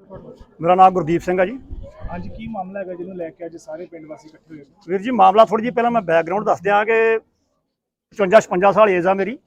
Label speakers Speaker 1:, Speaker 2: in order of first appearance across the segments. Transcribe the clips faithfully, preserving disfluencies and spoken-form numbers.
Speaker 1: मेरा नाम गुरदीप सिंह है जी।
Speaker 2: ਅੱਜ ਕੀ ਮਾਮਲਾ ਹੈਗਾ ਜਿਹਨੂੰ ਲੈ ਕੇ ਅੱਜ ਸਾਰੇ ਪਿੰਡ ਵਾਸੀ ਇਕੱਠੇ ਹੋਏ?
Speaker 1: ਵੀਰ ਜੀ ਮਾਮਲਾ ਥੋੜੀ ਜੀ ਪਹਿਲਾਂ ਮੈਂ ਬੈਕਗਰਾਉਂਡ ਦੱਸ ਦਿਆਂ ਕਿ ਪਚਵੰਜਾ ਛਪੰਜਾ ਸਾਲ ਏਜ ਆ ਮੇਰੀ,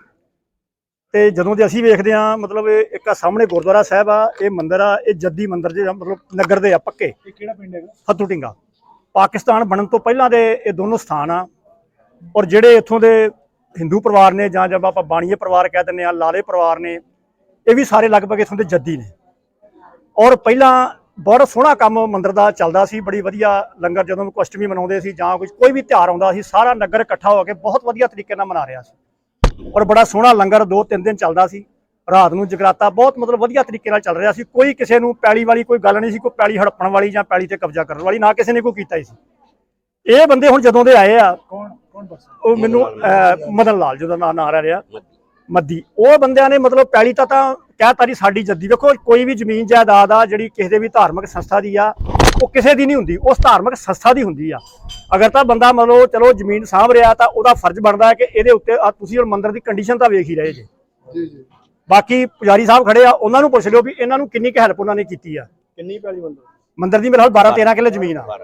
Speaker 1: ਤੇ ਜਦੋਂ ਦੇ ਅਸੀਂ ਵੇਖਦੇ ਆ ਮਤਲਬ ਇੱਕ ਆ ਸਾਹਮਣੇ ਗੁਰਦੁਆਰਾ ਸਾਹਿਬ ਆ, ਇਹ ਮੰਦਿਰ ਆ, ਇਹ ਜੱਦੀ ਮੰਦਿਰ ਜਿਹੜਾ ਮਤਲਬ ਨਗਰ ਦੇ ਆ ਪੱਕੇ।
Speaker 2: ਇਹ ਕਿਹੜਾ ਪਿੰਡ ਹੈਗਾ?
Speaker 1: ਫੱਤੂ ਢਿੰਗਾ। ਪਾਕਿਸਤਾਨ ਬਣਨ ਤੋਂ ਪਹਿਲਾਂ ਦੇ ਇਹ ਦੋਨੋਂ ਸਥਾਨ ਆ, ਔਰ ਜਿਹੜੇ ਇੱਥੋਂ ਦੇ ਹਿੰਦੂ ਪਰਿਵਾਰ ਨੇ ਜਾਂ ਜਦ ਆਪਾਂ ਬਾਣੀਏ ਪਰਿਵਾਰ ਕਹਿ ਦਿੰਦੇ ਆ, ਲਾਲੇ ਪਰਿਵਾਰ ਨੇ, ਇਹ ਵੀ ਸਾਰੇ ਲਗਭਗ ਇੱਥੋਂ ਦੇ ਜੱਦੀ ਨੇ। ਔਰ ਪਹਿਲਾਂ ਬਹੁਤ ਸੋਹਣਾ ਕੰਮ ਮੰਦਿਰ ਦਾ ਚੱਲਦਾ ਸੀ, ਬੜੀ ਵਧੀਆ ਲੰਗਰ ਜਦੋਂ ਕੋਈ ਅਸ਼ਟਮੀ ਮਨਾਉਂਦੇ ਸੀ ਜਾਂ ਕੁਝ ਕੋਈ ਵੀ ਤਿਉਹਾਰ ਆਉਂਦਾ ਸੀ, ਸਾਰਾ ਨਗਰ ਇਕੱਠਾ ਹੋ ਕੇ ਬਹੁਤ ਵਧੀਆ ਤਰੀਕੇ ਨਾਲ ਮਨਾ ਰਿਹਾ ਸੀ। ਔਰ ਬੜਾ ਸੋਹਣਾ ਲੰਗਰ ਦੋ ਤਿੰਨ ਦਿਨ ਚੱਲਦਾ ਸੀ, ਰਾਤ ਨੂੰ ਜਗਰਾਤਾ ਬਹੁਤ ਮਤਲਬ ਵਧੀਆ ਤਰੀਕੇ ਨਾਲ ਚੱਲ ਰਿਹਾ ਸੀ। ਕੋਈ ਕਿਸੇ ਨੂੰ ਪੈਲੀ ਵਾਲੀ ਕੋਈ ਗੱਲ ਨਹੀਂ ਸੀ, ਕੋਈ ਪੈਲੀ ਹੜੱਪਣ ਵਾਲੀ ਜਾਂ ਪੈਲੀ ਤੇ ਕਬਜ਼ਾ ਕਰਨ ਵਾਲੀ ਨਾ ਕਿਸੇ ਨੇ ਕੋਈ ਕੀਤਾ ਹੀ ਸੀ। ਇਹ ਬੰਦੇ ਹੁਣ ਜਦੋਂ ਦੇ ਆਏ ਆ,
Speaker 2: ਕੌਣ ਕੌਣ ਦੱਸ?
Speaker 1: ਉਹ ਮੈਨੂੰ ਮਦਨ ਲਾਲ ਜਿਹਦਾ ਨਾਂ ਨਾਂ ਰਿਹਾ ਮੱਦੀ, ਉਹ ਬੰਦਿਆਂ ਨੇ ਮਤਲਬ ਪੈਲੀ ਤਾਂ ਤਾਂ ਕਹਿਤਾ ਜੀ ਸਾਡੀ ਜੱਦੀ। ਵੇਖੋ ਕੋਈ ਵੀ ਜ਼ਮੀਨ ਜਾਇਦਾਦ ਆ ਜਿਹੜੀ ਕਿਸੇ ਦੇ ਵੀ ਧਾਰਮਿਕ ਸੰਸਥਾ ਦੀ ਆ, ਉਹ ਕਿਸੇ ਦੀ ਨਹੀਂ ਹੁੰਦੀ, ਉਸ ਧਾਰਮਿਕ ਸੰਸਥਾ ਦੀ ਹੁੰਦੀ ਆ। ਅਗਰ ਤਾਂ ਬੰਦਾ ਮਤਲਬ ਚਲੋ ਜ਼ਮੀਨ ਸਾਂਭ ਰਿਹਾ ਤਾਂ ਉਹਦਾ ਫਰਜ਼ ਬਣਦਾ ਹੈ ਕਿ ਇਹਦੇ ਉੱਤੇ ਤੁਸੀਂ ਹੁਣ ਮੰਦਿਰ ਦੀ ਕੰਡੀਸ਼ਨ ਤਾਂ ਵੇਖ ਹੀ ਰਹੇ ਜੇ। ਜੀ ਜੀ। ਬਾਕੀ ਪੁਜਾਰੀ ਸਾਹਿਬ ਖੜੇ ਆ, ਉਹਨਾਂ ਨੂੰ ਪੁੱਛ ਲਿਓ ਵੀ ਇਹਨਾਂ ਨੂੰ ਕਿੰਨੀ ਕੁ ਹੈਲਪ ਉਹਨਾਂ ਨੇ ਕੀਤੀ ਆ।
Speaker 2: ਕਿੰਨੀ ਪੈਲੀ ਮੰਦਿਰ?
Speaker 1: ਮੰਦਿਰ ਦੀ ਮੇਰੇ ਨਾਲ ਬਾਰਾਂ ਤੇਰਾਂ ਕਿੱਲੇ ਜ਼ਮੀਨ ਆ।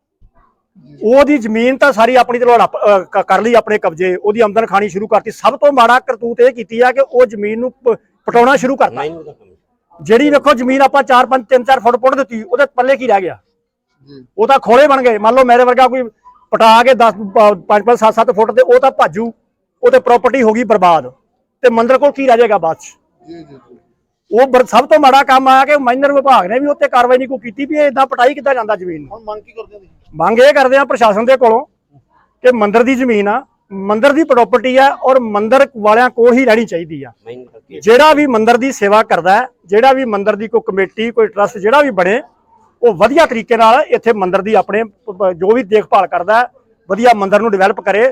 Speaker 1: ਉਹਦੀ ਜ਼ਮੀਨ ਤਾਂ ਸਾਰੀ ਆਪਣੀ ਚਲੋ ਕਰ ਲਈ ਆਪਣੇ ਕਬਜ਼ੇ, ਉਹਦੀ ਆਮਦਨ ਖਾਣੀ ਸ਼ੁਰੂ ਕਰਤੀ। ਸਭ ਤੋਂ ਮਾੜਾ ਕਰਤੂਤ ਇਹ ਕੀਤੀ ਆ ਕਿ ਉਹ ਜ਼ਮੀਨ ਨੂੰ ਪਟਾਉਣਾ ਸ਼ੁਰੂ ਕਰਤਾ। ਜਿਹੜੀ ਵੇਖੋ ਜ਼ਮੀਨ ਆਪਾਂ ਚਾਰ ਪੰਜ ਤਿੰਨ ਚਾਰ ਫੁੱਟ ਪੁੱਟ ਦਿੱਤੀ, ਉਹਦੇ ਪੱਲੇ ਕੀ ਰਹਿ ਗਿਆ? ਉਹ ਤਾਂ ਖੋਲੇ ਬਣ ਗਏ। ਮੰਨ ਲਓ ਮੇਰੇ ਵਰਗਾ ਕੋਈ ਪਟਾ ਕੇ ਦਸ ਪੰਜ ਪੰਜ ਸੱਤ ਸੱਤ ਫੁੱਟ ਤੇ ਉਹ ਤਾਂ ਭਾਜੂ, ਉਹ ਤੇ ਪ੍ਰਾਪਰਟੀ ਹੋ ਗਈ ਬਰਬਾਦ, ਤੇ ਮੰਦਿਰ ਕੋਲ ਕੀ ਰਹਿ ਜਾਏਗਾ ਬਾਅਦ ਚ? ਉਹ ਸਭ ਤੋਂ ਮਾੜਾ ਕੰਮ ਆਇਆ ਕਿ ਮਾਈਨਰ ਵਿਭਾਗ ਨੇ ਵੀ ਉੱਤੇ ਕਾਰਵਾਈ ਨਹੀਂ ਕੋਈ ਕੀਤੀ ਵੀ ਏਦਾਂ ਪਟਾਈ ਕਿੱਦਾਂ ਜਾਂਦਾ ਜ਼ਮੀਨ ਨੂੰ।
Speaker 2: ਮੰਗ ਕੀ ਕਰਦੇ ਹੋ?
Speaker 1: ਮੰਗ ਇਹ ਕਰਦੇ ਆ ਪ੍ਰਸ਼ਾਸਨ ਦੇ ਕੋਲੋਂ ਕਿ ਮੰਦਿਰ ਦੀ ਜ਼ਮੀਨ ਆ, ਮੰਦਿਰ ਦੀ ਪ੍ਰਾਪਰਟੀ ਆ, ਔਰ ਮੰਦਿਰ ਵਾਲਿਆਂ ਕੋਲ ਹੀ ਰਹਿਣੀ ਚਾਹੀਦੀ ਆ। ਜਿਹੜਾ ਵੀ ਮੰਦਿਰ ਦੀ ਸੇਵਾ ਕਰਦਾ ਹੈ, ਜਿਹੜਾ ਵੀ ਮੰਦਿਰ ਦੀ ਕੋਈ ਕਮੇਟੀ ਕੋਈ ਟਰਸਟ ਜਿਹੜਾ ਵੀ ਬਣੇ, ਉਹ ਵਧੀਆ ਤਰੀਕੇ ਨਾਲ ਇੱਥੇ ਮੰਦਿਰ ਦੀ ਆਪਣੇ ਜੋ ਵੀ ਦੇਖਭਾਲ ਕਰਦਾ, ਵਧੀਆ ਮੰਦਿਰ ਨੂੰ ਡਿਵੈਲਪ ਕਰੇ।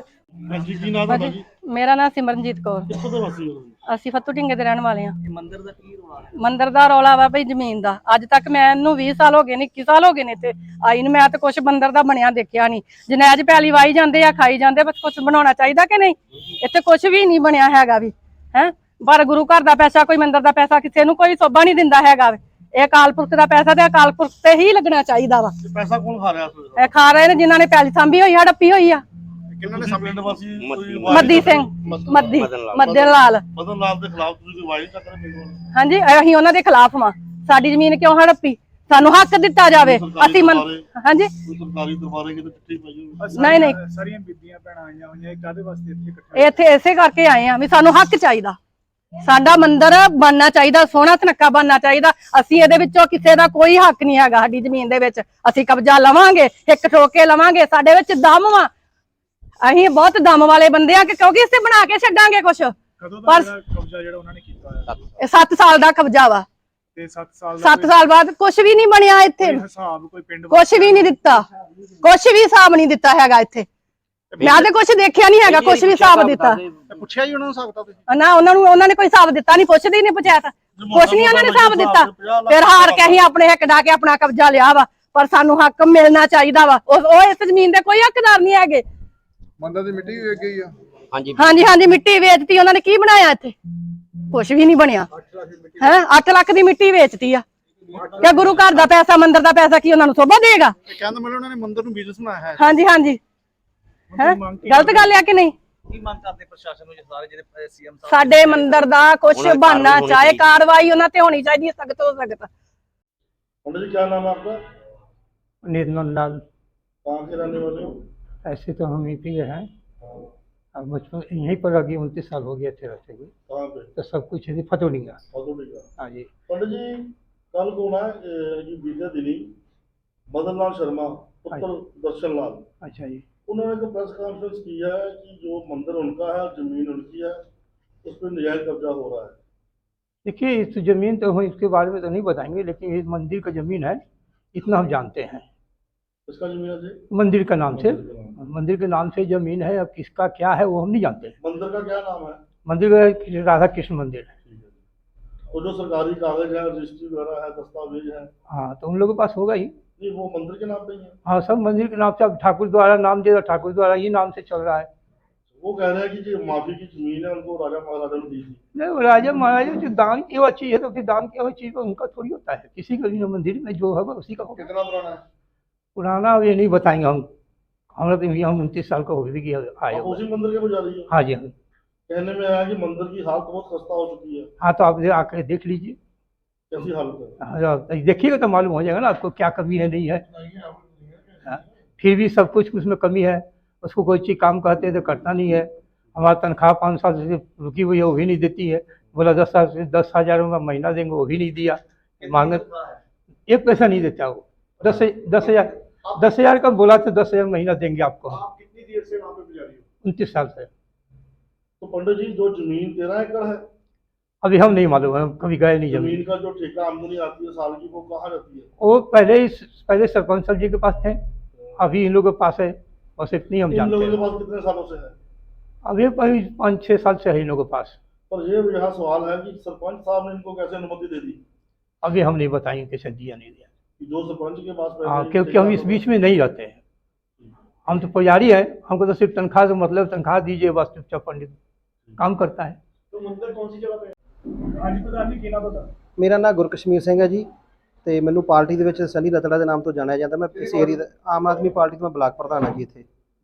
Speaker 3: ਮੇਰਾ ਨਾਮ ਸਿਮਰਨਜੀਤ ਕੌਰ।
Speaker 2: ਕਿੱਥੋਂ ਦੇ ਵਾਸੀ ਹੋ?
Speaker 3: ਅਸੀਂ ਫੱਤੂ ਢਿੰਗੇ ਦੇ ਰਹਿਣ ਵਾਲੇ ਹਾਂ।
Speaker 2: ਮੰਦਿਰ ਦਾ ਕੀ ਰੌਲਾ ਹੈ?
Speaker 3: ਮੰਦਿਰ ਦਾ ਰੌਲਾ ਵਾ ਭਈ ਜ਼ਮੀਨ ਦਾ। ਅੱਜ ਤੱਕ ਮੈਨੂੰ ਵੀਹ ਸਾਲ ਹੋ ਗਏ ਨੇ, ਇੱਕੀ ਸਾਲ ਹੋ ਗਏ ਨੇ ਇੱਥੇ ਆਈ ਨੂੰ, ਮੈਂ ਤਾਂ ਕੁਛ ਮੰਦਿਰ ਦਾ ਬਣਿਆ ਦੇਖਿਆ ਨਹੀਂ। ਜਨੈਜ ਪੈਲੀ ਵਾਈ ਜਾਂਦੇ ਆ, ਖਾਈ ਜਾਂਦੇ, ਬਸ ਕੁਛ ਬਣਾਉਣਾ ਚਾਹੀਦਾ ਕਿ ਨਹੀਂ? ਇੱਥੇ ਕੁਛ ਵੀ ਨਹੀਂ ਬਣਿਆ ਹੈਗਾ ਵੀ ਹੈ। ਪਰ ਗੁਰੂ ਘਰ ਦਾ ਪੈਸਾ, ਕੋਈ ਮੰਦਿਰ ਦਾ ਪੈਸਾ ਕਿਸੇ ਨੂੰ ਕੋਈ ਸੋਭਾ ਨਹੀਂ ਦਿੰਦਾ ਹੈਗਾ। ਇਹ ਅਕਾਲ ਪੁਰਖ ਦਾ ਪੈਸਾ ਤੇ ਅਕਾਲ ਪੁਰਖ ਤੇ ਹੀ ਲੱਗਣਾ ਚਾਹੀਦਾ ਵਾ।
Speaker 2: ਪੈਸਾ ਕੌਣ ਖਾ ਰਿਹਾ?
Speaker 3: ਇਹ ਖਾ ਰਹੇ ਨੇ ਜਿਨ੍ਹਾਂ ਨੇ ਪੈਲੀ ਸਾਂਭੀ ਹੋਈ, ਹੜੱਪੀ ਹੋਈ ਆ।
Speaker 2: ਕਿੰਨਾਂ ਨੇ ਪਿੰਡ ਵਾਸੀ?
Speaker 3: ਮੱਦੀ ਸਿੰਘ, ਮੱਦੀ ਮਦਨ ਲਾਲ।
Speaker 2: ਮਦਨ ਲਾਲ ਦੇ ਖਿਲਾਫ ਤੁਸੀਂ ਕੋਈ ਵਾਇਲ ਕਰ ਰਹੇ ਪਿੰਡ ਵਾਲੇ?
Speaker 3: ਹਾਂਜੀ, ਅਸੀਂ ਉਹਨਾਂ ਦੇ ਖਿਲਾਫ ਵਾਂ। ਸਾਡੀ ਜ਼ਮੀਨ ਕਿਉਂ ਹੜੱਪੀ? ਸਾਨੂੰ ਹੱਕ ਦਿੱਤਾ ਜਾਵੇ। ਅਸੀਂ ਹਾਂਜੀ
Speaker 2: ਸਰਕਾਰੀ ਦਰਬਾਰੇ ਕਿਤੇ ਚਿੱਠੀ ਪਾਈ?
Speaker 3: ਨਹੀਂ ਨਹੀਂ,
Speaker 2: ਸਾਰੀਆਂ ਬੀਬੀਆਂ ਭੈਣਾਂ ਆਈਆਂ ਹੋਈਆਂ, ਕਾਹਦੇ ਵਾਸਤੇ ਇੱਥੇ ਇਕੱਠੇ?
Speaker 3: ਇੱਥੇ ਇਸੇ ਕਰਕੇ ਆਏ ਆ ਵੀ ਸਾਨੂੰ ਹੱਕ ਚਾਹੀਦਾ। ਸਾਡਾ ਮੰਦਿਰ ਬਣਨਾ ਚਾਹੀਦਾ, ਸੋਹਣਾ ਸੁਨੱਖਾ ਬਣਨਾ ਚਾਹੀਦਾ। ਅਸੀਂ ਇਹਦੇ ਵਿੱਚੋਂ ਕਿਸੇ ਦਾ ਕੋਈ ਹੱਕ ਨਹੀਂ ਹੈਗਾ। ਸਾਡੀ ਜ਼ਮੀਨ ਦੇ ਵਿੱਚ ਅਸੀਂ ਕਬਜ਼ਾ ਲਵਾਂਗੇ, ਇੱਕ ਠੋਕ ਕੇ ਲਵਾਂਗੇ। ਸਾਡੇ ਵਿੱਚ ਦਮ ਵਾ, ਅਸੀਂ ਬਹੁਤ ਦਮ ਵਾਲੇ ਬੰਦੇ ਆ ਕਿ ਕਿਉਂਕਿ ਇਸੇ ਬਣਾ ਕੇ ਛੱਡਾਂਗੇ ਕੁਛ।
Speaker 2: ਪਰ ਕਬਜ਼ਾ ਜਿਹੜਾ ਉਹਨਾਂ ਨੇ ਕੀਤਾ ਹੋਇਆ
Speaker 3: ਇਹ ਸੱਤ ਸਾਲ ਦਾ ਕਬਜ਼ਾ ਵਾ,
Speaker 2: ਤੇ ਸੱਤ ਸਾਲ
Speaker 3: ਸੱਤ ਸਾਲ ਬਾਅਦ ਕੁਛ ਵੀ ਨਹੀਂ ਬਣਿਆ ਇੱਥੇ।
Speaker 2: ਹਿਸਾਬ ਕੋਈ ਪਿੰਡ
Speaker 3: ਕੁਛ ਵੀ ਨਹੀਂ ਦਿੱਤਾ, ਕੁਛ ਵੀ ਹਿਸਾਬ ਨਹੀਂ ਦਿੱਤਾ ਹੈਗਾ ਇੱਥੇ। ਮੈਂ ਤੇ ਕੁਛ ਦੇਖਿਆ ਨਹੀਂ ਹੈਗਾ, ਕੁਛ ਵੀ ਹਿਸਾਬ ਦਿੱਤਾ।
Speaker 2: ਪੁੱਛਿਆ ਜੀ ਉਹਨਾਂ ਨੂੰ ਹਿਸਾਬ ਤਾਂ?
Speaker 3: ਨਾ, ਉਹਨਾਂ ਨੂੰ ਉਹਨਾਂ ਨੇ ਕੋਈ ਹਿਸਾਬ ਦਿੱਤਾ ਨਹੀਂ, ਪੁੱਛਦੇ ਹੀ ਨਹੀਂ ਪੰਚਾਇਤ, ਕੁਛ ਨਹੀਂ ਉਹਨਾਂ ਨੇ ਹਿਸਾਬ ਦਿੱਤਾ। ਫਿਰ ਹਾਰ ਕੇ ਅਸੀਂ ਆਪਣੇ ਹੱਕ ਡਾ ਕੇ ਆਪਣਾ ਕਬਜ਼ਾ ਲਿਆ ਵਾ, ਪਰ ਸਾਨੂੰ ਹੱਕ ਮਿਲਣਾ ਚਾਹੀਦਾ ਵਾ। ਉਹ ਇਸ ਜ਼ਮੀਨ ਦੇ ਕੋਈ ਹੱਕਦਾਰ ਨਹੀਂ ਹੈਗੇ।
Speaker 4: ਮੰਦਰ ਦੀ ਮਿੱਟੀ ਵੀ ਵੇਚ ਗਈ ਆ।
Speaker 3: ਹਾਂਜੀ ਹਾਂਜੀ ਹਾਂਜੀ, ਮਿੱਟੀ ਵੇਚਤੀ ਉਹਨਾਂ ਨੇ। ਕੀ ਬਣਾਇਆ ਇੱਥੇ? ਕੁਛ ਵੀ ਨਹੀਂ ਬਣਿਆ ਹੈ। ਅੱਠ ਲੱਖ ਦੀ ਮਿੱਟੀ ਵੇਚਤੀ ਆ। ਕਿ ਗੁਰੂ ਘਰ ਦਾ ਪੈਸਾ, ਮੰਦਿਰ ਦਾ ਪੈਸਾ ਕੀ ਉਹਨਾਂ ਨੂੰ ਸੋਭਾ ਦੇਗਾ?
Speaker 2: ਕਹਿੰਦਾ ਮੈਨੂੰ ਉਹਨਾਂ ਨੇ ਮੰਦਿਰ ਨੂੰ ਬਿਜ਼ਨਸ ਬਣਾਇਆ ਹੈ।
Speaker 3: ਹਾਂਜੀ ਹਾਂਜੀ, ਹੈ ਗਲਤ ਗੱਲ ਆ ਕਿ ਨਹੀਂ?
Speaker 5: ਕੀ ਮੰਗ ਕਰਦੇ ਪ੍ਰਸ਼ਾਸਨ ਨੂੰ? ਸਾਰੇ ਜਿਹੜੇ ਸੀਐਮ ਸਾਹਿਬ
Speaker 3: ਸਾਡੇ ਮੰਦਿਰ ਦਾ ਕੁਛ ਬਣਨਾ ਚਾਹੇ, ਕਾਰਵਾਈ ਉਹਨਾਂ ਤੇ ਹੋਣੀ ਚਾਹੀਦੀ ਹੈ, ਸਖਤ ਤੋਂ सख्त।
Speaker 2: पंडित जी क्या नाम है आपका?
Speaker 6: निर्मल लाल।
Speaker 2: कहाँ के रहने वाले हो?
Speaker 6: ऐसे तो हम यहीं पे हैं, अब बचपन यहीं पर अभी उनतीस साल हो गया थे रहते हुए।
Speaker 2: कहाँ पे?
Speaker 6: तो सब कुछ है फतोड़ी का।
Speaker 2: फतोड़ी का।
Speaker 6: हाँ जी।
Speaker 2: पंडित जी कल को ना ये बीते दिनी मदन लाल शर्मा पुत्र दर्शन लाल,
Speaker 6: अच्छा जी,
Speaker 2: उन्होंने एक प्रेस कॉन्फ्रेंस की है कि जो मंदिर उनका है, जमीन उनकी है, उस पर नजायज कब्जा हो रहा है।
Speaker 6: देखिए इस जमीन तो हम इसके बारे में तो नहीं बताएंगे, लेकिन ये मंदिर का जमीन है, इतना हम जानते हैं।
Speaker 2: इसका जमीन है?
Speaker 6: मंदिर का नाम से, मंदिर के नाम से जमीन है। अब किसका क्या है वो हम नहीं जानते।
Speaker 2: मंदिर का क्या नाम है?
Speaker 6: मंदिर का राधा कृष्ण मंदिर है।
Speaker 2: तो जो सरकारी कागज है, रजिस्ट्री वगैरह है, दस्तावेज है,
Speaker 6: हाँ तो उन लोगों के पास होगा ही।
Speaker 2: नहीं वो मंदिर के नाम पे ही है?
Speaker 6: हाँ सब मंदिर के नाम से। अब ठाकुर द्वारा नाम दिया, ठाकुर द्वारा ही नाम से चल रहा है।
Speaker 2: वो कह रहे हैं कि जो माफी की जमीन है उनको राजा महाराजा ने दी थी।
Speaker 6: नहीं, वो राजा महाराजा जो दान की हुआ चीज है तो फिर दान की हुई चीज तो उनका थोड़ी होता है, किसी का भी मंदिर में जो होगा उसी का होगा।
Speaker 4: कितना पुराना है?
Speaker 6: पुराना अब ये नहीं बताएंगे हम, हमारा तो ये हम उनतीस साल का हो गई कि आए
Speaker 2: आप
Speaker 6: हुए।
Speaker 2: उसी मंदिर के पुजारी हो?
Speaker 6: हाँ जी, हाँ।
Speaker 2: कहने में आया कि मंदिर की हालत बहुत खस्ता हो चुकी है।
Speaker 6: हाँ तो आप आकर देख लीजिए,
Speaker 2: कैसी हालत है?
Speaker 6: हाँ, आप देखिएगा तो मालूम हो जाएगा ना आपको क्या कमी है नहीं है। हाँ, फिर भी सब कुछ उसमें कमी है, उसको कोई चीज़ काम कहते हैं तो करता नहीं है। हमारा तनख्वाह पाँच साल से रुकी हुई है, वो भी नहीं देती है। बोला दस साल से दस हज़ार रुपये महीना देंगे, वो भी नहीं दिया। मांगे एक पैसा नहीं देता वो। दस दस हज़ार दस हज़ार का बोला तो दस हज़ार महीना देंगे आपको।
Speaker 2: आप कितनी देर से वहाँ पे पुजारी हो?
Speaker 6: उनतीस साल से।
Speaker 2: तो पंडित जी जो जमीन तेरह एकड़ है,
Speaker 6: अभी हम नहीं मालूम है, हम कभी गए नहीं जमीन।
Speaker 2: जमीन का जो ठेका आमदनी आती है साल की, वो कहाँ रहती है?
Speaker 6: वो पहले ही पहले सरपंच साहब जी के पास थे, अभी इन लोगों के पास है, बस इतनी हम
Speaker 2: इन
Speaker 6: जानते
Speaker 2: लोगों के
Speaker 6: हैं।
Speaker 2: पास कितने सालों से है?
Speaker 6: अभी पाँच पाँच छः साल से है इन लोगों के पास।
Speaker 2: पर ये यहाँ सवाल है कि सरपंच साहब ने इनको कैसे अनुमति दे दी
Speaker 6: अभी हम नहीं बताएंगे कैसे दिया नहीं दिया।
Speaker 2: कि जो सरपंच के पास पहले
Speaker 6: हाँ,
Speaker 2: ही
Speaker 6: क्योंकि
Speaker 2: ठेका
Speaker 6: हम इस
Speaker 2: होगा?
Speaker 6: बीच में नहीं रहते हैं, हम तो पुजारी है, हमको तो सिर्फ तनख्वाह से मतलब, तनख्वाह दीजिए बस, चुपचाप पंडित काम करता है।
Speaker 2: तो मंदिर कौन सी जगह पे है? हाँ जी प्रधान जी, की नाम बता।
Speaker 7: ਮੇਰਾ ਨਾਮ ਗੁਰਕਸ਼ਮੀਰ ਸਿੰਘ ਹੈ ਜੀ, ਤੇ ਮੈਨੂੰ ਪਾਰਟੀ ਦੇ ਵਿੱਚ ਸਨੀ ਰਤੜਾ ਦੇ ਨਾਮ ਤੋਂ ਜਾਣਿਆ ਜਾਂਦਾ। ਮੈਂ ਇਸ ਏਰੀਆ ਦਾ ਆਮ ਆਦਮੀ ਪਾਰਟੀ ਤੋਂ ਮੈਂ ਬਲਾਕ ਪ੍ਰਧਾਨ ਹਾਂ ਜੀ ਇੱਥੇ।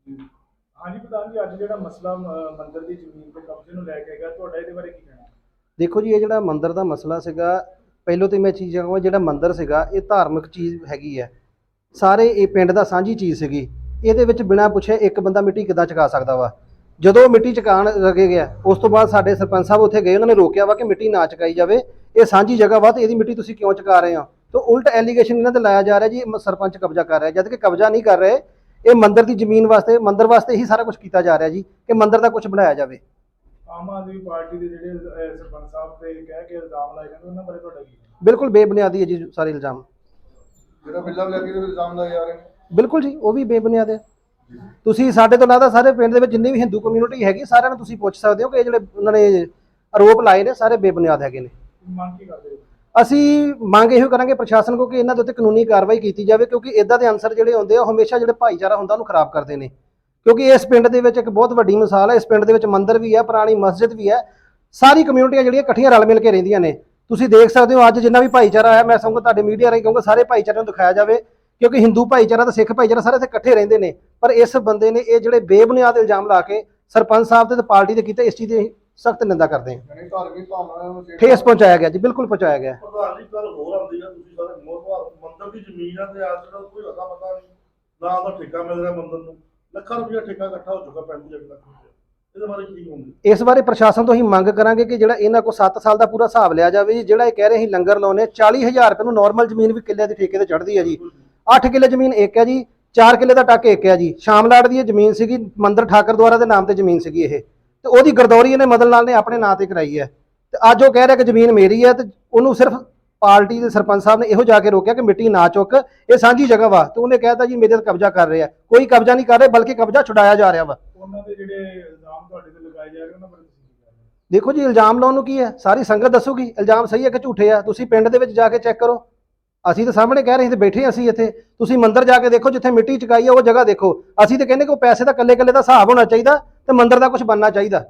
Speaker 8: ਹਾਂਜੀ ਪ੍ਰਧਾਨ ਜੀ, ਅੱਜ ਜਿਹੜਾ ਮਸਲਾ ਅ, ਮੰਦਿਰ ਦੀ ਜ਼ਮੀਨ ਦੇ ਕਬਜ਼ੇ ਨੂੰ ਲੈ ਕੇ ਹੈਗਾ, ਤੁਹਾਡਾ ਇਹਦੇ ਬਾਰੇ ਕੀ ਕਹਿਣਾ?
Speaker 7: ਦੇਖੋ ਜੀ, ਇਹ ਜਿਹੜਾ ਮੰਦਿਰ ਦਾ ਮਸਲਾ ਸੀਗਾ, ਪਹਿਲੋਂ ਤੇ ਮੈਂ ਚੀਜ਼ ਕਹਾਂ, ਜਿਹੜਾ ਮੰਦਿਰ ਸੀਗਾ ਇਹ ਧਾਰਮਿਕ ਚੀਜ਼ ਹੈਗੀ ਹੈ, ਸਾਰੇ ਇਹ ਪਿੰਡ ਦਾ ਸਾਂਝੀ ਚੀਜ਼ ਸੀਗੀ। ਇਹਦੇ ਵਿੱਚ ਬਿਨਾਂ ਪੁੱਛੇ ਇੱਕ ਬੰਦਾ ਮਿੱਟੀ ਕਿੱਦਾਂ ਚੁਕਾ ਸਕਦਾ ਵਾ? ਜਦੋਂ ਮਿੱਟੀ ਚੁਕਾਉਣ ਲੱਗੇ ਗਿਆ, ਉਸ ਤੋਂ ਬਾਅਦ ਸਾਡੇ ਸਰਪੰਚ ਸਾਹਿਬ ਉੱਥੇ ਗਏ, ਉਹਨਾਂ ਨੇ ਰੋਕਿਆ ਵਾ ਕਿ ਮਿੱਟੀ ਨਾ ਚੁਕਾਈ ਜਾਵੇ, ਇਹ ਸਾਂਝੀ ਜਗ੍ਹਾ ਵਾ ਤੇ ਇਹਦੀ ਮਿੱਟੀ ਤੁਸੀਂ ਕਿਉਂ ਚੁਕਾ ਰਹੇ ਹੋ? ਤਾਂ ਉਲਟ ਐਲੀਗੇਸ਼ਨ ਇਹਨਾਂ ਤੇ ਲਾਇਆ ਜਾ ਰਿਹਾ ਜੀ ਸਰਪੰਚ ਕਬਜ਼ਾ ਕਰ ਰਿਹਾ, ਜਦ ਕਿ ਕਬਜ਼ਾ ਨਹੀਂ ਕਰ ਰਹੇ। ਇਹ ਮੰਦਿਰ ਦੀ ਜ਼ਮੀਨ ਵਾਸਤੇ, ਮੰਦਿਰ ਵਾਸਤੇ ਹੀ ਸਾਰਾ ਕੁਝ ਕੀਤਾ ਜਾ ਰਿਹਾ ਜੀ, ਕਿ ਮੰਦਿਰ ਦਾ ਕੁਝ ਬਣਾਇਆ ਜਾਵੇ।
Speaker 8: ਆਮ ਆਦਮੀ ਪਾਰਟੀ ਦੇ ਜਿਹੜੇ ਅ, ਸਰਪੰਚ ਸਾਹਿਬ ਤੇ ਕਹਿ ਕੇ ਇਲਜ਼ਾਮ ਲਾਏ ਜਾਂਦੇ, ਉਹਨਾਂ ਬਾਰੇ ਤੁਹਾਡਾ ਕੀ ਕਹਿਣਾ?
Speaker 7: ਬਿਲਕੁਲ ਬੇਬੁਨਿਆਦੀ ਹੈ ਜੀ ਸਾਰੇ ਇਲਜ਼ਾਮ।
Speaker 4: ਜਿਹੜਾ ਬਿੱਲਾ ਲੈ ਕੇ ਇਲਜ਼ਾਮ ਲਾਏ ਜਾ ਰਹੇ ਨੇ,
Speaker 7: ਬਿਲਕੁਲ ਜੀ, ਉਹ ਵੀ ਬੇਬੁਨਿਆਦ ਹੈ। ਤੁਸੀਂ ਸਾਡੇ ਤੋਂ ਇਲਾਵਾ ਸਾਰੇ ਪਿੰਡ ਦੇ ਵਿੱਚ ਜਿੰਨੀ ਵੀ ਹਿੰਦੂ ਕਮਿਊਨਿਟੀ ਹੈਗੀ, ਸਾਰਿਆਂ ਨੂੰ ਤੁਸੀਂ ਪੁੱਛ ਸਕਦੇ ਹੋ ਕਿ ਇਹ ਜਿਹੜੇ ਉਹਨਾਂ ਨੇ ਆਰੋਪ ਲਾਏ ਨੇ ਸਾਰੇ ਬੇਬੁਨਿਆਦ ਹੈਗੇ ਨੇ।
Speaker 8: ਮੰਗ ਕੀ ਕਰਦੇ ਹੋ?
Speaker 7: ਅਸੀਂ ਮੰਗ ਇਹੋ ਕਰਾਂਗੇ ਪ੍ਰਸ਼ਾਸਨ ਕੋਲ ਕਿ ਇਹਨਾਂ ਦੇ ਉੱਤੇ ਕਾਨੂੰਨੀ ਕਾਰਵਾਈ ਕੀਤੀ ਜਾਵੇ, ਕਿਉਂਕਿ ਇਦਾਂ ਦੇ ਅਨਸਰ ਜਿਹੜੇ ਹੁੰਦੇ ਆ ਉਹ ਹਮੇਸ਼ਾ ਜਿਹੜੇ ਭਾਈਚਾਰਾ ਹੁੰਦਾ ਉਹਨੂੰ ਖਰਾਬ ਕਰਦੇ ਨੇ। ਕਿਉਂਕਿ ਇਸ ਪਿੰਡ ਦੇ ਵਿੱਚ ਇੱਕ ਬਹੁਤ ਵੱਡੀ ਮਿਸਾਲ ਹੈ, ਇਸ ਪਿੰਡ ਦੇ ਵਿੱਚ ਮੰਦਿਰ ਵੀ ਹੈ, ਪੁਰਾਣੀ ਮਸਜਿਦ ਵੀ ਹੈ, ਸਾਰੀ ਕਮਿਊਨਿਟੀਆਂ ਜਿਹੜੀਆਂ ਇਕੱਠੀਆਂ ਰਲ ਮਿਲ ਕੇ ਰਹਿੰਦੀਆਂ ਨੇ। ਤੁਸੀਂ ਦੇਖ ਸਕਦੇ ਹੋ ਅੱਜ ਜਿੰਨਾ ਵੀ ਭਾਈਚਾਰਾ ਆਇਆ, ਮੈਂ ਸਮਝਦਾ ਤੁਹਾਡੇ ਮੀਡੀਆ ਰਾਹੀਂ ਕਹੂੰਗਾ ਸਾਰੇ ਭਾਈਚਾਰੇ ਨੂੰ ਦਿਖਾਇਆ ਜਾਵੇ, ਕਿਉਂਕਿ ਹਿੰਦੂ ਭਾਈਚਾਰਾ ਤੇ ਸਿੱਖ ਭਾਈਚਾਰਾ ਸਾਰੇ ਇੱਥੇ ਇਕੱਠੇ ਰਹਿੰਦੇ ਨੇ। ਪਰ ਇਸ ਬੰਦੇ ਨੇ ਇਹ ਜਿਹੜੇ ਬੇਬੁਨਿਆਦ ਇਲਜ਼ਾਮ ਲਾ ਕੇ ਸਰਪੰਚ ਸਾਹਿਬ ਤੇ ਪਾਰਟੀ ਦੇ ਕੀਤੇ, ਇਸ ਚੀਜ਼ ਦੀ ਸਖਤ ਨਿੰਦਾ ਕਰਦੇ ਹਾਂ।
Speaker 4: ਯਾਨੀ ਧਾਰਮਿਕ ਭਾਵਨਾਵਾਂ ਨੂੰ
Speaker 7: ਠੇਸ ਪਹੁੰਚਾਇਆ ਗਿਆ ਜੀ, ਬਿਲਕੁਲ ਪਹੁੰਚਾਇਆ ਗਿਆ।
Speaker 2: ਪ੍ਰਧਾਨ ਜੀ ਕੱਲ ਹੋਰ ਆਉਂਦੀ ਹੈ, ਤੁਸੀਂ ਸਾਰੇ ਮੋਹਤਵਾਰ ਮੰਦਿਰ ਦੀ ਜ਼ਮੀਨ ਹੈ ਤੇ ਅੱਜ ਤੱਕ ਕੋਈ ਅਤਾ ਪਤਾ ਨਹੀਂ, ਨਾ ਉਹਦਾ ਠੇਕਾ ਮਿਲ ਰਿਹਾ ਮੰਦਿਰ ਨੂੰ, ਲੱਖਾਂ ਰੁਪਇਆ ਠੇਕਾ ਇਕੱਠਾ ਹੋ ਚੁੱਕਾ ਪੈਂਤੀ ਲੱਖ ਰੁਪਇਆ। ਇਹਦੇ ਬਾਰੇ ਕੀ ਕਹੋਗੇ?
Speaker 7: ਇਸ ਬਾਰੇ ਪ੍ਰਸ਼ਾਸਨ ਤੋਂ ਹੀ ਮੰਗ ਕਰਾਂਗੇ ਕਿ ਜਿਹੜਾ ਇਹਨਾਂ ਕੋਲ ਸੱਤ ਸਾਲ ਦਾ ਪੂਰਾ ਹਿਸਾਬ ਲਿਆ ਜਾਵੇ ਜੀ। ਜਿਹੜਾ ਇਹ ਕਹਿ ਰਹੇ ਸੀ ਲੰਗਰ ਲਾਉਣੇ, ਚਾਲੀ ਹਜ਼ਾਰ ਰੁਪਏ ਨੂੰ ਨਾਰਮਲ ਜ਼ਮੀਨ ਵੀ ਕਿੱਲੇ ਦੀ ਠੇਕੇ ਤੇ ਚੜ੍ਹਦੀ ਹੈ ਜੀ। ਅੱਠ ਕਿੱਲੇ ਜ਼ਮੀਨ ਇੱਕ ਹੈ ਜੀ, ਚਾਰ ਕਿੱਲੇ ਦਾ ਟੱਕ ਇੱਕ ਹੈ ਜੀ। ਸ਼ਾਮਲਾੜ ਦੀ ਇਹ ਜ਼ਮੀਨ ਸੀਗੀ, ਮੰਦਰ ਠਾਕਰ ਦੁਆਰਾ ਦੇ ਨਾਮ ਤੇ ਜ਼ਮੀਨ ਸੀਗੀ ਇਹ, ਤੇ ਉਹਦੀ ਗਰਦੌਰੀ ਇਹਨੇ ਮਦਨ ਲਾਲ ਨੇ ਆਪਣੇ ਨਾਂ ਤੇ ਕਰਾਈ ਹੈ। ਤੇ ਅੱਜ ਉਹ ਕਹਿ ਰਿਹਾ ਕਿ ਜ਼ਮੀਨ ਮੇਰੀ ਹੈ, ਤੇ ਉਹਨੂੰ ਸਿਰਫ ਪਾਰਟੀ ਦੇ ਸਰਪੰਚ ਸਾਹਿਬ ਨੇ ਇਹੋ ਜਾ ਕੇ ਰੋਕਿਆ ਕਿ ਮਿੱਟੀ ਨਾ ਚੁੱਕ, ਇਹ ਸਾਂਝੀ ਜਗ੍ਹਾ ਵਾ। ਤੇ ਉਹਨੇ ਕਹਿਤਾ ਜੀ ਮੇਰੇ ਤੇ ਕਬਜ਼ਾ ਕਰ ਰਿਹਾ। ਕੋਈ ਕਬਜ਼ਾ ਨਹੀਂ ਕਰ ਰਿਹਾ, ਬਲਕਿ ਕਬਜ਼ਾ ਛੁਡਾਇਆ ਜਾ ਰਿਹਾ ਵਾ।
Speaker 8: ਉਹਨਾਂ ਦੇ ਜਿਹੜੇ ਇਲਜ਼ਾਮ ਤੁਹਾਡੇ ਤੇ ਲਗਾਏ ਜਾ ਰਹੇ, ਉਹਨਾਂ ਬਾਰੇ ਤੁਸੀਂ ਕੀ ਕਹਿਣਾ?
Speaker 7: ਦੇਖੋ ਜੀ, ਇਲਜ਼ਾਮ ਲਾਉਣ ਨੂੰ ਕੀ ਹੈ, ਸਾਰੀ ਸੰਗਤ ਦੱਸੂਗੀ ਇਲਜ਼ਾਮ ਸਹੀ ਹੈ ਕਿ ਝੂਠੇ ਆ। ਤੁਸੀਂ ਪਿੰਡ ਦੇ ਵਿੱਚ ਜਾ ਕੇ ਚੈੱਕ ਕਰੋ, ਅਸੀਂ ਤਾਂ ਸਾਹਮਣੇ ਕਹਿ ਰਹੇ ਸੀ ਤੇ ਬੈਠੇ ਅਸੀਂ ਇੱਥੇ। ਤੁਸੀਂ ਮੰਦਿਰ ਜਾ ਕੇ ਦੇਖੋ, ਜਿੱਥੇ ਮਿੱਟੀ ਚੁਕਾਈ ਹੈ ਉਹ ਜਗ੍ਹਾ ਦੇਖੋ। ਅਸੀਂ ਤਾਂ ਕਹਿੰਦੇ ਕਿ ਉਹ ਪੈਸੇ ਦਾ ਕੱਲੇ ਕੱਲੇ ਦਾ ਹਿਸਾਬ ਹੋਣਾ ਚਾਹੀਦਾ ਤੇ ਮੰਦਿਰ ਦਾ ਕੁਝ ਬਣਨਾ ਚਾਹੀਦਾ।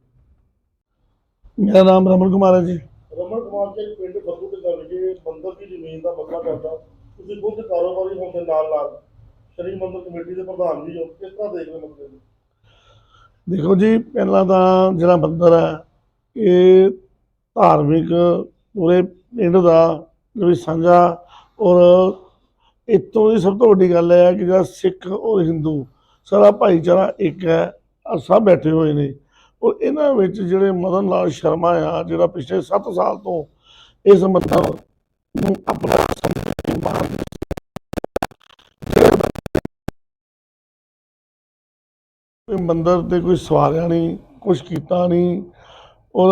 Speaker 9: मेरा नाम रमन कुमार है जी।
Speaker 2: ਰਮਨ ਕੁਮਾਰ ਜੀ, ਪਿੰਡ ਬੱਬੂ ਦੇ ਗੱਲ ਜੇ ਮੰਦਿਰ ਦੀ ਜ਼ਮੀਨ ਦਾ ਮਸਲਾ ਕਰਦਾ, ਤੁਸੀਂ ਖੁਦ ਕਾਰੋਬਾਰੀ ਹੋਣ ਦੇ ਨਾਲ ਨਾਲ ਸ਼੍ਰੀ ਮੰਦਿਰ ਕਮੇਟੀ ਦੇ ਪ੍ਰਧਾਨ ਵੀ ਹੋ, ਕਿਸ ਤਰ੍ਹਾਂ ਦੇਖਦੇ ਮਸਲੇ ਨੂੰ?
Speaker 9: देखो जी, पहला तो जिहड़ा मंदिर है ये धार्मिक पूरे पिंड का जो साझा, और इतों की सब तो वड्डी गल है कि जो सिख और हिंदू सारा भाईचारा एक है, और सब बैठे हुए ने। और इन्हां विच जिहड़े मदन लाल शर्मा आ, जिहड़ा पिछले सत्त साल तो इस मंदर नूं अपना मंदिर ते कोई सवारिया नहीं, कुछ किया नहीं। और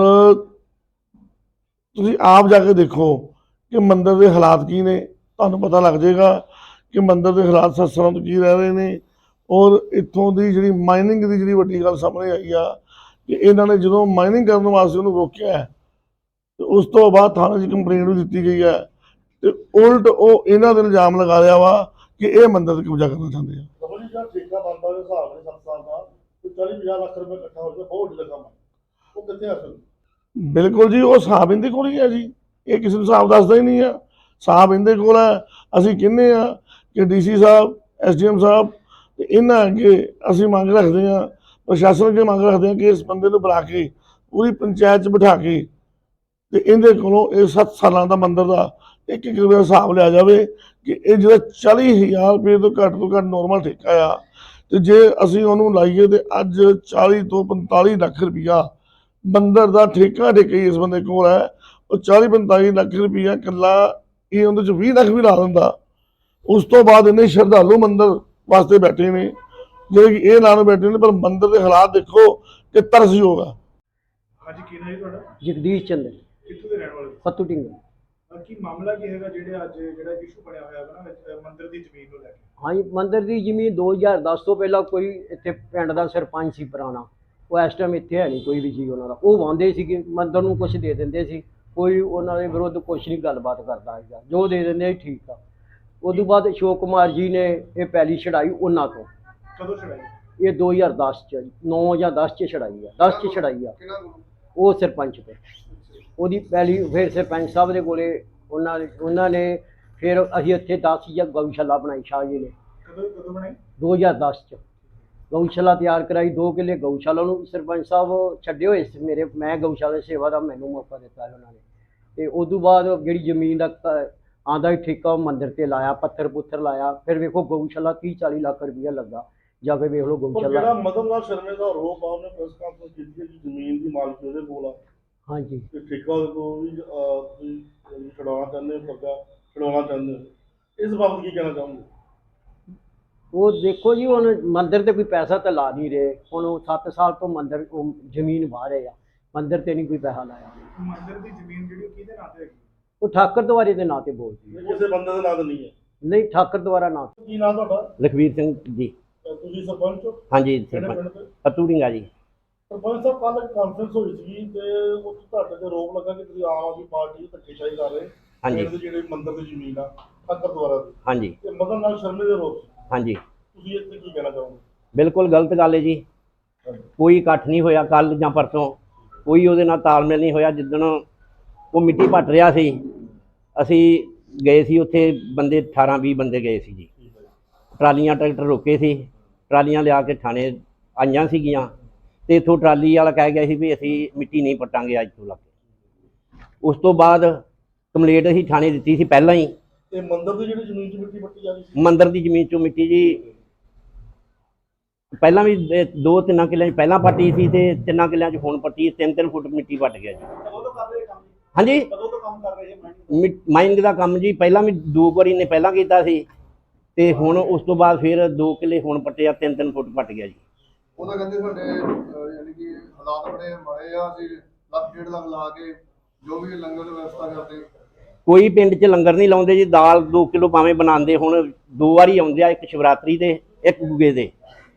Speaker 9: तुसीं आप जाके देखो कि मंदिर के हालात की ने, तुहानूं पता लग जाएगा कि मंदिर के हालात सत्संग की रह रहे हैं। और इत्थों की जिहड़ी माइनिंग की जिहड़ी वड्डी गल सामने आई आ कि इन्हां ने जदों माइनिंग करने वास्ते उन्होंने रोकिया है, तो उस तो बाद थाने च कंप्लेंट भी दी गई है, तो उल्ट वो इन्हां ते इल्जाम लगा रहा वा कि ये मंदिर ते कब्जा करना चाहते हैं।
Speaker 2: ਰਮਨ ਜੀ, ਜਿਹੜਾ ਠੇਕਾ ਬਣਦਾ ਦੇ ਹਿਸਾਬ ਨਾਲ ਸੱਤ ਸਾਲ ਦਾ, ਕੋਈ ਚਾਲੀ ਪੰਜਾਹ ਲੱਖ ਰੁਪਏ ਇਕੱਠਾ ਹੋ ਜਾਵੇ ਬਹੁਤ ਵੱਡੀ ਰਕਮ ਹੈ, ਉਹ ਕਿੱਥੇ ਆ ਸਕਦੀ?
Speaker 9: ਬਿਲਕੁਲ ਜੀ, ਉਹ ਹਿਸਾਬ ਇਹਦੇ ਕੋਲ ਹੀ ਹੈ ਜੀ, ਇਹ ਕਿਸੇ ਨੂੰ ਹਿਸਾਬ ਦੱਸਦਾ ਹੀ ਨਹੀਂ ਆ। ਹਿਸਾਬ ਇਹਦੇ ਕੋਲ ਹੈ। ਅਸੀਂ ਕਹਿੰਦੇ ਆ ਕਿ ਡੀਸੀ ਸਾਹਿਬ, ਐਸਡੀਐਮ ਸਾਹਿਬ ਤੇ ਇਹਨਾਂ ਅੱਗੇ ਅਸੀਂ ਮੰਗ ਰੱਖਦੇ ਹਾਂ, ਪ੍ਰਸ਼ਾਸਨ ਅੱਗੇ ਮੰਗ ਰੱਖਦੇ ਹਾਂ ਕਿ ਇਸ ਬੰਦੇ ਨੂੰ ਬੁਲਾ ਕੇ ਪੂਰੀ ਪੰਚਾਇਤ 'ਚ ਬਿਠਾ ਕੇ ਤੇ ਇਹਦੇ ਕੋਲੋਂ ਇਹ ਸੱਤ ਸਾਲਾਂ ਦਾ ਮੰਦਰ ਦਾ ਇੱਕ ਇੱਕ ਰੁਪਏ ਦਾ ਹਿਸਾਬ ਲਿਆ ਜਾਵੇ ਕਿ ਇਹ ਜਿਹੜਾ ਚਾਲੀ ਹਜ਼ਾਰ ਰੁਪਏ ਤੋਂ ਘੱਟ ਤੋਂ ਘੱਟ ਨੋਰਮਲ ਠੇਕਾ ਆ, ਤੇ ਜੇ ਅਸੀਂ ਉਹਨੂੰ ਲਾਈਏ ਤੇ ਅੱਜ ਚਾਲੀ ਤੋਂ ਪੰਤਾਲੀ ਲੱਖ ਰੁਪਈਆ ਮੰਦਰ ਦਾ ਠੇਕਾ ਠੇਕੇ ਇਸ ਬੰਦੇ ਕੋਲ ਹੈ। ਉਹ ਚਾਲੀ ਪੰਤਾਲੀ ਲੱਖ ਰੁਪਈਆ ਇਕੱਲਾ ਇਹ ਉਹਦੇ 'ਚ ਵੀਹ ਲੱਖ ਵੀ ਲਾ ਦਿੰਦਾ। ਉਸ ਤੋਂ ਬਾਅਦ ਇੰਨੇ ਸ਼ਰਧਾਲੂ ਮੰਦਰ ਵਾਸਤੇ ਬੈਠੇ ਨੇ ਜਿਹੜੇ ਕਿ ਇਹ ਲਾਣ ਬੈਠੇ ਨੇ, ਪਰ ਮੰਦਰ ਦੇ ਹਾਲਾਤ ਦੇਖੋ ਕਿ ਤਰਸਯੋਗ ਆ।
Speaker 8: ਹਾਂਜੀ, ਕੀ ਨਾਮ ਹੈ ਤੁਹਾਡਾ?
Speaker 7: ਜਗਦੀਸ਼ ਚੰਦਰ,
Speaker 8: ਕਿੱਥੋਂ ਦੇ ਰਹਿਣ ਵਾਲੇ?
Speaker 7: ਫੱਤੂ ਢਿੰਗਰ।
Speaker 8: ਅਹ ਕੀ ਮਾਮਲਾ ਕੀ ਹੈਗਾ ਜਿਹੜੇ ਅੱਜ ਜਿਹੜਾ ਇਸ਼ੂ ਬਣਿਆ ਹੋਇਆ ਹੈ ਨਾ ਅਹ ਮੰਦਿਰ ਦੀ ਜ਼ਮੀਨ ਨੂੰ ਲੈ ਕੇ?
Speaker 10: ਹਾਂਜੀ, ਮੰਦਿਰ ਦੀ ਜ਼ਮੀਨ ਦੋ ਹਜ਼ਾਰ ਦਸ ਤੋਂ ਪਹਿਲਾਂ ਕੋਈ ਇੱਥੇ ਪਿੰਡ ਦਾ ਸਰਪੰਚ ਸੀ ਪੁਰਾਣਾ, ਉਹ ਇਸ ਟਾਈਮ ਇੱਥੇ ਹੈ ਨਹੀਂ ਕੋਈ ਵੀ ਜੀ ਉਹਨਾਂ ਦਾ। ਉਹ ਵਾਂਦੇ ਸੀਗੇ ਮੰਦਿਰ ਨੂੰ ਕੁਛ ਦੇ ਦਿੰਦੇ ਸੀ, ਕੋਈ ਉਹਨਾਂ ਦੇ ਵਿਰੁੱਧ ਕੁਛ ਨਹੀਂ ਗੱਲਬਾਤ ਕਰਦਾ ਸੀਗਾ, ਜੋ ਦੇ ਦਿੰਦੇ ਸੀ ਠੀਕ ਆ। ਉਸ ਤੋਂ ਬਾਅਦ ਅਸ਼ੋਕ ਕੁਮਾਰ ਜੀ ਨੇ ਇਹ ਪੈਲੀ ਛਡਾਈ ਉਹਨਾਂ ਤੋਂ।
Speaker 8: ਕਦੋਂ ਛੜਾਈ?
Speaker 10: ਇਹ ਦੋ ਹਜ਼ਾਰ ਦਸ 'ਚ ਨੌ ਜਾਂ ਦਸ 'ਚ ਛਡਾਈ ਆ, ਦਸ 'ਚ ਛਡਾਈ ਆ
Speaker 4: ਕਿਹਨਾਂ ਕੋਲ?
Speaker 10: ਉਹ ਸਰਪੰਚ ਤੇ। ਉਹਦੀ ਪੈਲੀ ਫਿਰ ਸਰਪੰਚ ਸਾਹਿਬ ਦੇ ਕੋਲੇ ਉਹਨਾਂ ਨੇ ਉਹਨਾਂ ਨੇ ਫਿਰ ਅਸੀਂ ਇੱਥੇ ਦਸ ਜਾਂ ਗਊਸ਼ਾਲਾ ਬਣਾਈ ਸ਼ਾਹ ਜੀ ਨੇ
Speaker 8: ਕਦੋਂ ਕਦੋਂ ਬਣਾਈ? ਦੋ
Speaker 10: ਹਜ਼ਾਰ ਦਸ 'ਚ ਗਊਸ਼ਾਲਾ ਤਿਆਰ ਕਰਾਈ। ਦੋ ਕਿੱਲੇ ਗਊਸ਼ਾਲਾ ਨੂੰ ਸਰਪੰਚ ਸਾਹਿਬ ਛੱਡੇ ਹੋਏ ਸੀ ਮੇਰੇ, ਮੈਂ ਗਊਸ਼ਾਲਾ ਸੇਵਾ ਦਾ ਮੈਨੂੰ ਮੌਕਾ ਦਿੱਤਾ ਉਹਨਾਂ ਨੇ। ਤੇ ਉਸ ਤੋਂ ਬਾਅਦ ਜਿਹੜੀ ਜ਼ਮੀਨ ਦਾ ਆਂਦਾ ਹੀ ਠੇਕਾ ਉਹ ਮੰਦਿਰ ਤੇ ਲਾਇਆ, ਪੱਥਰ ਪੁੱਥਰ ਲਾਇਆ। ਫਿਰ ਵੇਖੋ ਗਊਸ਼ਾਲਾ ਤੀਹ ਚਾਲੀ ਲੱਖ ਰੁਪਈਆ ਲੱਗਾ, ਜਾ ਕੇ ਵੇਖ ਲਓ
Speaker 2: ਪਰ
Speaker 10: ਗਊਸ਼ਾਲਾ।
Speaker 2: ਜਿਹੜਾ ਮਦਨ ਲਾਲ ਸ਼ਰਮੇ ਦਾ ਆਰੋਪ ਆ, ਉਹਨੇ ਪ੍ਰੈਸ ਕਾਨਫਰੰਸ ਕੀਤੀ ਹੈ ਕਿ ਜ਼ਮੀਨ ਦੀ ਮਾਲਕੀ ਉਹਦੇ ਕੋਲ ਆ
Speaker 10: ਹਾਂਜੀ,
Speaker 2: ਤੇ ਠੇਕਾ ਉਹਦੇ ਕੋਲ ਵੀ ਅਹ, ਤੁਸੀਂ ਛਡਾਉਣਾ ਚਾਹੁੰਦੇ ਹੋ, ਕਰਜ਼ਾ ਛਡਾਉਣਾ ਚਾਹੁੰਦੇ ਹੋ, ਇਸ ਬਾਬਤ ਕੀ ਕਹਿਣਾ ਚਾਹੋਗੇ?
Speaker 10: ਉਹ ਦੇਖੋ ਜੀ ਹੁਣ ਮੰਦਿਰ ਤੇ ਕੋਈ ਪੈਸਾ ਤਾਂ ਲਾ ਨਹੀਂ ਰਹੇ। ਹੁਣ ਉਹ ਸੱਤ ਸਾਲ ਤੋਂ ਮੰਦਿਰ ਉਹ ਜ਼ਮੀਨ ਵਾਹ ਰਹੇ ਆ, ਮੰਦਿਰ ਤੇ ਨਹੀਂ ਕੋਈ ਪੈਸਾ ਲਾਇਆ।
Speaker 8: ਮੰਦਿਰ ਦੀ ਜ਼ਮੀਨ ਜਿਹੜੀ ਉਹ ਕਿਹਦੇ ਨਾਂ ਤੇ ਹੈਗੀ?
Speaker 10: ਉਹ ਠਾਕਰ ਦੁਆਰੇ ਦੇ ਨਾਂ ਤੇ ਬੋਲਦੀ ਹੈ।
Speaker 2: ਕਿਸੇ ਬੰਦੇ ਦਾ ਨਾਂ ਤਾਂ ਨਹੀਂ ਹੈ?
Speaker 10: ਨਹੀਂ, ਠਾਕਰ ਦੁਆਰਾ ਨਾਂ।
Speaker 2: ਕੀ ਨਾਂ ਤੁਹਾਡਾ?
Speaker 11: ਲਖਵੀਰ ਸਿੰਘ ਜੀ।
Speaker 2: ਅਹ, ਤੁਸੀਂ ਸਰਪੰਚ ਹੋ?
Speaker 11: ਹਾਂਜੀ,
Speaker 2: ਕਿਹੜੇ
Speaker 11: ਸਰਪੰਚ
Speaker 2: ਪਿੰਡ ਦੇ?
Speaker 11: ਫੱਤੂ ਢਿੰਗਾ ਜੀ।
Speaker 2: ਸਰਪੰਚ ਸਾਹਿਬ, ਕੱਲ੍ਹ ਇੱਕ ਕਾਨਫਰੰਸ ਹੋਈ ਸੀ ਤੇ ਉਹ ਤੁਹਾਡੇ ਤੇ ਆਰੋਪ ਲੱਗਾ ਕਿ ਤੁਸੀਂ ਆਮ ਆਦਮੀ ਪਾਰਟੀ ਦੀ ਧੱਕੇਸ਼ਾਹੀ ਕਰ ਰਹੇ।
Speaker 11: ਹਾਂਜੀ।
Speaker 2: ਪਿੰਡ ਦੀ ਜਿਹੜੀ ਮੰਦਰ ਦੀ ਜ਼ਮੀਨ ਆ ਠਾਕਰ ਦੁਆਰਾ ਦੀ,
Speaker 11: ਹਾਂਜੀ
Speaker 2: ਤੇ ਮਦਨ ਲਾਲ ਸ਼ਰਮੇ ਦੇ ਆਰੋਪ ਸੀ।
Speaker 11: ਹਾਂਜੀ,
Speaker 2: ਤੁਸੀਂ ਇੱਥੇ ਕੀ ਕਹਿਣਾ ਚਾਹੋਗੇ?
Speaker 11: ਬਿਲਕੁਲ ਗਲਤ ਗੱਲ ਹੈ ਜੀ। ਕੋਈ ਇਕੱਠ ਨਹੀਂ ਹੋਇਆ ਕੱਲ ਜਾਂ ਪਰਸੋਂ, ਕੋਈ ਉਹਦੇ ਨਾਲ ਤਾਲਮੇਲ ਨਹੀਂ ਹੋਇਆ। ਜਿੱਦਣ ਉਹ ਮਿੱਟੀ ਭੱਟ ਰਿਹਾ ਸੀ ਅਸੀਂ ਗਏ ਸੀ ਉੱਥੇ, ਬੰਦੇ ਅਠਾਰਾਂ ਵੀਹ ਬੰਦੇ ਗਏ ਸੀ ਜੀ। ਟਰਾਲੀਆਂ ਟਰੈਕਟਰ ਰੋਕੇ ਸੀ, ਟਰਾਲੀਆਂ ਲਿਆ ਕੇ ਥਾਣੇ ਆਈਆਂ ਸੀਗੀਆਂ ਤੇ ਇੱਥੋਂ ਟਰਾਲੀ ਵਾਲਾ ਕਹਿ ਗਿਆ ਸੀ ਵੀ ਅਸੀਂ ਮਿੱਟੀ ਨਹੀਂ ਪੱਟਾਂਗੇ ਅੱਜ ਤੋਂ ਲੱਗ ਕੇ। ਉਸ ਤੋਂ ਬਾਅਦ ਕੰਪਲੇਂਟ ਅਸੀਂ ਥਾਣੇ ਦਿੱਤੀ ਸੀ ਪਹਿਲਾਂ ਹੀ।
Speaker 2: ਤੇ ਮੰਦਰ ਦੀ ਜਿਹੜੀ ਜ਼ਮੀਨ 'ਚ ਮਿੱਟੀ ਪੱਟੀ ਜਾ ਰਹੀ ਸੀ?
Speaker 11: ਮੰਦਰ ਦੀ ਜ਼ਮੀਨ 'ਚੋਂ ਮਿੱਟੀ ਜੀ ਪਹਿਲਾਂ ਵੀ ਇਹ ਦੋ ਤਿੰਨਾਂ ਕਿੱਲਿਆਂ 'ਚ ਪਹਿਲਾਂ ਪੱਟੀ ਸੀ ਤੇ ਤਿੰਨਾਂ ਕਿੱਲਿਆਂ 'ਚ ਹੁਣ ਪੱਟੀ। ਤਿੰਨ ਤਿੰਨ ਫੁੱਟ ਮਿੱਟੀ ਪੱਟ ਗਿਆ ਜੀ।
Speaker 8: ਕਦੋਂ ਤੋਂ ਕਰ ਰਹੇ ਕੰਮ?
Speaker 11: ਹਾਂਜੀ,
Speaker 8: ਕਦੋਂ ਤੋਂ ਕੰਮ ਕਰ ਰਹੇ ਹੈ?
Speaker 11: ਮਿ- ਮਾਈਨਿੰਗ ਦਾ ਕੰਮ ਜੀ ਪਹਿਲਾਂ ਵੀ ਦੋ ਵਾਰੀ ਨੇ ਪਹਿਲਾਂ ਕੀਤਾ ਸੀ ਤੇ ਹੁਣ ਉਸ ਤੋਂ ਬਾਅਦ ਫਿਰ ਦੋ ਕਿੱਲੇ ਹੁਣ ਪੱਟਿਆ, ਤਿੰਨ ਤਿੰਨ ਫੁੱਟ ਪੱਟ ਗਿਆ ਜੀ।
Speaker 4: ਉਹਦਾ ਕਹਿੰਦੇ ਸਾਡੇ ਅਹ, ਯਾਨੀ ਕਿ ਹਾਲਾਤ ਬੜੇ ਮਾੜੇ ਆ, ਅਸੀਂ ਲੱਖ ਡੇਢ ਲੱਖ ਲਾ ਕੇ ਜੋ ਵੀ ਲੰਗਰ ਦੀ ਵਿਵਸਥਾ ਕਰਦੇ।
Speaker 11: ਕੋਈ ਪਿੰਡ 'ਚ ਲੰਗਰ ਨਹੀਂ ਲਾਉਂਦੇ ਜੀ। ਦਾਲ ਦੋ ਕਿਲੋ ਭਾਵੇਂ ਬਣਾਉਂਦੇ, ਹੁਣ ਦੋ ਵਾਰੀ ਆਉਂਦੇ ਆ, ਇੱਕ ਸ਼ਿਵਰਾਤਰੀ ਤੇ ਇੱਕ ਗੁਗੇ ਦੇ।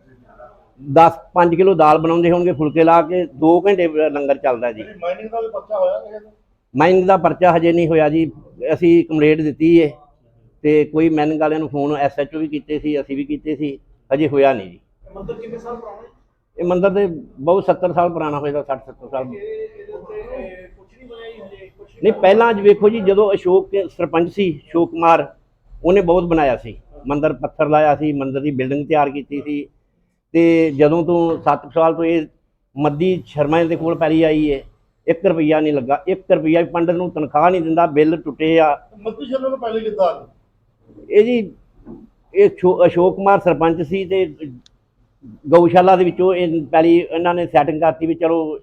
Speaker 11: ਦਸ ਪੰਜ ਕਿਲੋ ਦਾਲ ਬਣਾਉਂਦੇ ਹੋਣਗੇ, ਫੁਲਕੇ ਲਾ ਕੇ ਦੋ ਘੰਟੇ ਲੰਗਰ ਚੱਲਦਾ ਜੀ।
Speaker 2: ਜਿਹੜੀ ਮਾਈਨਿੰਗ ਦਾ ਵੀ ਪਰਚਾ ਹੋਇਆ ਕਿਸੇ ਦਾ?
Speaker 11: ਮਾਈਨਿੰਗ ਦਾ ਪਰਚਾ ਹਜੇ ਨਹੀਂ ਹੋਇਆ ਜੀ। ਅਸੀਂ ਕੰਪਲੇਂਟ ਦਿੱਤੀ ਹੈ ਤੇ ਕੋਈ ਮਾਈਨਿੰਗ ਵਾਲਿਆਂ ਨੂੰ ਫੋਨ ਐਸ ਐਚ ਓ ਵੀ ਕੀਤੇ ਸੀ, ਅਸੀਂ ਵੀ ਕੀਤੇ ਸੀ, ਹਜੇ ਹੋਇਆ ਨਹੀਂ ਜੀ।
Speaker 8: ਮੰਦਿਰ ਕਿੰਨੇ ਸਾਲ ਪੁਰਾਣਾ ਹੈ?
Speaker 11: ਇਹ ਮੰਦਿਰ ਦੇ ਬਹੁਤ ਸੱਤਰ ਸਾਲ ਪੁਰਾਣਾ ਹੋਏਗਾ, ਸੱਠ ਸੱਤਰ ਸਾਲ।
Speaker 8: ਇਹ ਇਹਦੇ ਉੱਤੇ ਕੁਝ ਨਹੀਂ ਬਣਿਆ ਜੀ ਹਜੇ? ਕੁਝ
Speaker 11: ਨਹੀਂ, ਪਹਿਲਾਂ ਅੱਜ ਵੇਖੋ ਜੀ, ਜਦੋਂ ਅਸ਼ੋਕ ਕੇ ਸਰਪੰਚ ਸੀ ਅਸ਼ੋਕ ਕੁਮਾਰ, ਉਹਨੇ ਬਹੁਤ ਬਣਾਇਆ ਸੀ ਮੰਦਿਰ, ਪੱਥਰ ਲਾਇਆ ਸੀ, ਮੰਦਿਰ ਦੀ ਬਿਲਡਿੰਗ ਤਿਆਰ ਕੀਤੀ ਸੀ। ਤੇ ਜਦੋਂ ਤੋਂ ਸੱਤ ਸਾਲ ਤੋਂ ਇਹ ਮੱਦੀ ਸ਼ਰਮਾ ਦੇ ਕੋਲ ਪੈਲੀ ਆਈ ਹੈ, ਇੱਕ ਰੁਪਈਆ ਨਹੀਂ ਲੱਗਾ। ਇੱਕ ਰੁਪਈਆ ਵੀ ਪੰਡਤ ਨੂੰ ਤਨਖਾਹ ਨਹੀਂ ਦਿੰਦਾ, ਬਿੱਲ ਟੁੱਟੇ ਆ।
Speaker 2: ਮੱਦੀ ਸ਼ਰਮੇ ਤੋਂ ਪਹਿਲੇ ਕਿੱਦਾਂ ਆ ਗਈ?
Speaker 11: ਇਹ ਜੀ ਇਹ ਅਸ਼ੋ- ਅਸ਼ੋਕ ਕੁਮਾਰ ਸਰਪੰਚ ਸੀ ਤੇ ਗਊਸ਼ਾਲਾ ਦੇ ਵਿੱਚੋਂ ਇਹ ਪੈਲੀ ਇਹਨਾਂ ਨੇ ਸੈਟਿੰਗ ਕਰਤੀ ਵੀ ਚਲੋ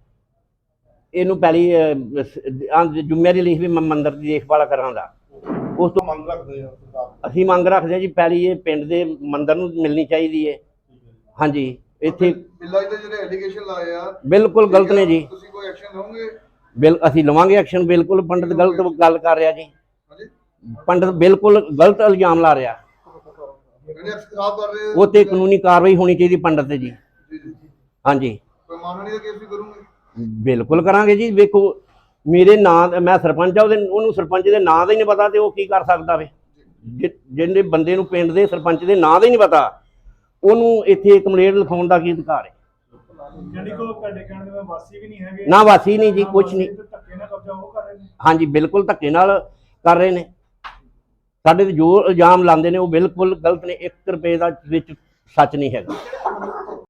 Speaker 11: ਇਹਨੂੰ ਪੈਲੀ ਜ਼ਿੰਮੇਵਾਰੀ ਲਈ ਵੀ ਮੈਂ ਮੰਦਿਰ ਦੀ ਦੇਖਭਾਲ ਕਰਾਂਗਾ। ਉਸ ਤੋਂ
Speaker 2: ਮੰਗ ਰੱਖਦੇ ਆ ਸਰਕਾਰ?
Speaker 11: ਅਸੀਂ ਮੰਗ ਰੱਖਦੇ ਹਾਂ ਜੀ ਪੈਲੀ ਇਹ ਪਿੰਡ ਦੇ ਮੰਦਿਰ ਨੂੰ ਮਿਲਣੀ ਚਾਹੀਦੀ ਹੈ। ਹਾਂਜੀ, ਇੱਥੇ
Speaker 4: ਬਿੱਲਾ ਜੀ ਦੇ ਜਿਹੜੇ ਐਲੀਗੇਸ਼ਨ ਲਾਏ ਆ
Speaker 11: ਬਿਲਕੁਲ ਗਲਤ ਨੇ ਜੀ।
Speaker 4: ਤੁਸੀਂ ਕੋਈ ਐਕਸ਼ਨ ਲਓਗੇ?
Speaker 11: ਬਿਲ ਅਸੀਂ ਲਵਾਂਗੇ ਐਕਸ਼ਨ। ਬਿਲਕੁਲ ਪੰਡਤ ਗਲਤ ਗੱਲ ਕਰ ਰਿਹਾ ਜੀ।
Speaker 4: ਹਾਂਜੀ,
Speaker 11: ਪੰਡਤ ਬਿਲਕੁਲ ਗਲਤ ਇਲਜ਼ਾਮ ਲਾ ਰਿਹਾ।
Speaker 4: ਜਿਹੜੇ ਖਰਾਬ ਕਰ ਰਹੇ
Speaker 11: ਉਹ ਤੇ ਕਾਨੂੰਨੀ ਕਾਰਵਾਈ ਹੋਣੀ ਚਾਹੀਦੀ ਪੰਡਤ ਤੇ ਜੀ।
Speaker 4: ਜੀ ਜੀ।
Speaker 11: ਹਾਂਜੀ,
Speaker 4: ਕੋਈ ਮਾਨਹਾਨੀ ਦਾ ਕੇਸ ਵੀ ਕਰੋਗੇ?
Speaker 11: ਬਿਲਕੁਲ ਕਰਾਂਗੇ ਜੀ। ਵੇਖੋ ਮੇਰੇ ਨਾਂ, ਮੈਂ ਸਰਪੰਚ ਆ, ਉਹਦੇ ਉਹਨੂੰ ਸਰਪੰਚ ਦੇ ਨਾਂ ਦਾ ਹੀ ਨਹੀਂ ਪਤਾ ਤੇ ਉਹ ਕੀ ਕਰ ਸਕਦਾ ਵੇ। ਜਿ- ਜਿਹਨੇ ਬੰਦੇ ਨੂੰ ਪਿੰਡ ਦੇ ਸਰਪੰਚ ਦੇ ਨਾਂ ਦਾ ਹੀ ਨਹੀਂ ਪਤਾ, ਉਹਨੂੰ ਇੱਥੇ ਕੰਪਲੇਂਟ ਲਿਖਾਉਣ ਦਾ ਕੀ ਅਧਿਕਾਰ ਹੈ?
Speaker 8: ਯਾਨੀ ਕਿ ਉਹ ਤੁਹਾਡੇ ਕਹਿਣ ਦੇ ਵਿੱਚ ਵਾਸੀ ਵੀ ਨਹੀਂ ਹੈਗੇ,
Speaker 11: ਨਾ ਵਾਸੀ ਨਹੀਂ ਜੀ,
Speaker 8: ਨਾ
Speaker 11: ਕੁਛ
Speaker 8: ਵਾਸੀ
Speaker 11: ਨਹੀਂ।
Speaker 8: ਤੇ ਧੱਕੇ ਨਾਲ ਕਬਜ਼ਾ ਉਹ ਕਰ ਰਹੇ ਨੇ।
Speaker 11: ਹਾਂਜੀ ਬਿਲਕੁਲ ਧੱਕੇ ਨਾਲ ਕਰ ਰਹੇ ਨੇ। ਸਾਡੇ ਤੇ ਜੋ ਇਲਜ਼ਾਮ ਲਾਉਂਦੇ ਨੇ ਉਹ ਬਿਲਕੁਲ ਗਲਤ ਨੇ, ਇੱਕ ਰੁਪਏ ਦਾ ਵਿੱਚ ਸੱਚ ਨਹੀਂ ਹੈਗਾ।